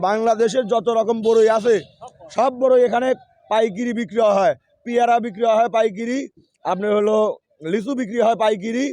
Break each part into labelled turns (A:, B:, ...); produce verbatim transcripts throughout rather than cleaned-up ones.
A: বাংলাদেশের যত রকম বড়ই আছে সব বড়ই এখানে পাইকারি বিক্রি হয়। পেয়ারা বিক্রি হয় পাইকারি, আপনার হলো লিচু বিক্রি হয় পাইকারি,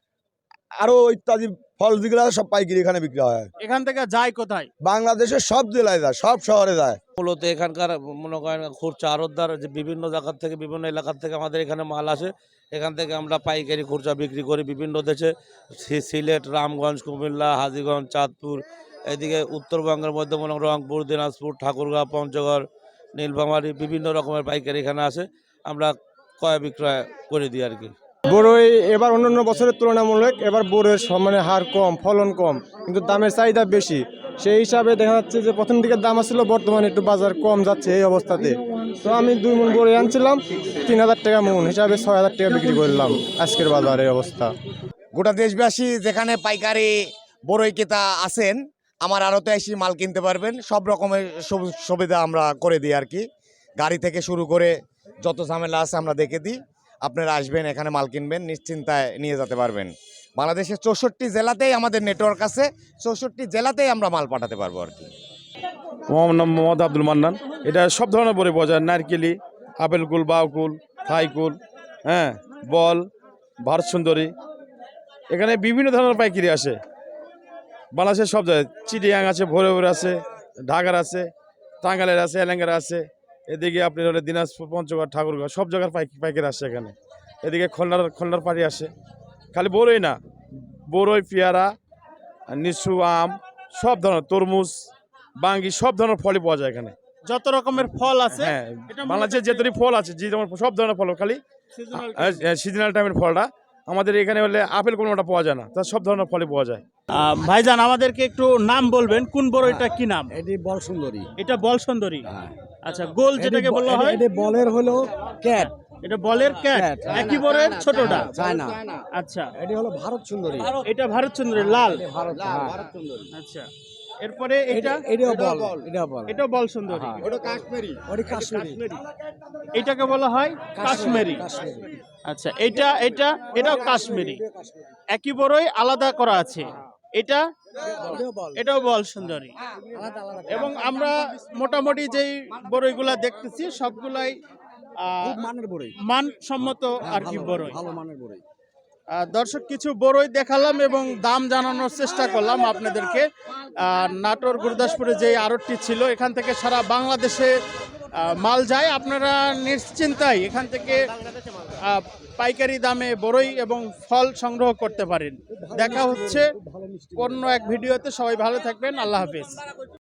A: আরো ইত্যাদি ফল যেগুলো সব পাইকারি এখানে বিক্রি হয়।
B: এখান থেকে যায় কোথায়?
A: বাংলাদেশের সব জেলায় যায়, সব শহরে যায়।
C: মূলত এখানকার মনে করেন খুচরা আড়তদার যে বিভিন্ন জায়গার থেকে বিভিন্ন এলাকার থেকে আমাদের এখানে মাল আসে, এখান থেকে আমরা পাইকারি খুচরা বিক্রি করি বিভিন্ন দেশে, সিলেট, রামগঞ্জ, কুমিল্লা, হাজীগঞ্জ, চাঁদপুর, এদিকে উত্তরবঙ্গের মধ্যে মনে করেন রংপুর, দিনাজপুর, ঠাকুরগাঁও, পঞ্চগড়, নীলফামারী বিভিন্ন রকমের পাইকারি এখানে আসে, আমরা ক্রয় বিক্রয় করে দিই আর কি।
D: বড়ই এবার অন্যান্য বছরের তুলনামূলক এবার বড়ের মানে হার কম, ফলন কম, কিন্তু দামের চাহিদা বেশি। সেই হিসাবে দেখা যাচ্ছে যে প্রথম দিকের দাম আসছিল, বর্তমানে একটু বাজার কম যাচ্ছে এই অবস্থাতে। তো আমি দুই মন বড়ই আনছিলাম তিন হাজার টাকা মন হিসাবে ছয় হাজার টাকা বিক্রি করলাম আজকের বাজারের অবস্থা।
E: গোটা দেশবাসী যেখানে পাইকারি বড়ই ক্রেতা আছেন, আমার আড়তে এসে মাল কিনতে পারবেন। সব রকমের সুবিধা আমরা করে দিই আর কি। গাড়ি থেকে শুরু করে যত ঝামেলা আছে আমরা দেখে দিই। আপনারা আসবেন, এখানে মাল কিনবেন, নিশ্চিন্তায় নিয়ে যেতে পারবেন। বাংলাদেশের চৌষট্টি জেলাতেই আমাদের নেটওয়ার্ক আছে, চৌষট্টি জেলাতেই আমরা মাল পাঠাতে পারবো আর কি।
F: আমার নাম মোহাম্মদ আব্দুল মান্নান। এটা সব ধরনের বড়ি পাওয়া যায়, নারকেলি, আপেল কুল, বাউ কুল, থাই কুল, হ্যাঁ, বল, ভারত সুন্দরী, এখানে বিভিন্ন ধরনের পাইকারি আসে বাংলাদেশের সব জায়গায়। চিটিয়াং আছে, ভোরে ভোরে আছে, ঢাকার আছে, টাঙ্গাইলের আছে, এলাঙ্গার আছে, এদিকে আপনি হলে দিনাজপুর, পঞ্চগড়, ঠাকুরগাঁও সব জায়গার পাইকারি আসে এখানে। এদিকে খুলনার খুলনার পাড়ি আসে। খালি বড়ই না, বড়ই, পেয়ারা, লিচু, আম, সব ধরনের তরমুজ, বাঙ্গি সব ধরনের ফলই পাওয়া যায় এখানে।
B: যত রকমের ফল আছে,
F: হ্যাঁ, বাংলাদেশের যে তৈরি ফল আছে, যে যেমন সব ধরনের ফল, খালি সিজনাল টাইমের ফলটা আমাদের এখানে হলে আপেল কোনোটা পাওয়া যায় না, তার সব ধরনের ফলই পাওয়া যায়।
B: ভাইজান আমাদেরকে একটু নাম বলবেন, কোন বড়ইটা কি নাম?
G: এটি বল সুন্দরী।
B: এটা বল সুন্দরী। আচ্ছা, গোল যেটাকে বলা হয়,
G: এটি বলের হলো ক্যাট।
B: এটা বলের ক্যাট, একই বড়ের ছোটটা।
G: চায়না।
B: আচ্ছা,
G: এটি হলো ভারত সুন্দরী।
B: এটা ভারত সুন্দরী লাল।
G: ভারত ভারত সুন্দরী।
B: আচ্ছা, এরপরে এটা
G: এটাও বল, এটাও বল।
B: এটা বল সুন্দরী।
G: ওটা কাশ্মীরি। ওটা কাশ্মীরি।
B: এটাকে বলা হয় কাশ্মীরি। আচ্ছা, এটা এটা এটাও কাশ্মীরি। একই বড়ই আলাদা করা আছে। এটা এটাও বল সুন্দরী। এবং আমরা মোটামুটি যেই বড়ইগুলা দেখতেছি সবগুলাই
G: মানের বড়ই,
B: মানসম্মত আর কি বড়ই,
G: ভালো মানের বড়ই।
B: দর্শক কিছু বড়ই দেখালাম এবং দাম জানানোর চেষ্টা করলাম আপনাদেরকে। নাটোর গুরুদাসপুরে যে আড়তটি ছিল, এখান থেকে সারা বাংলাদেশে মাল যায়। আপনারা নিশ্চিন্তায় এখান থেকে পাইকারি দামে বড়ই এবং ফল সংগ্রহ করতে পারেন। দেখা হচ্ছে অন্য এক ভিডিওতে। সবাই ভালো থাকবেন, আল্লাহ হাফেজ।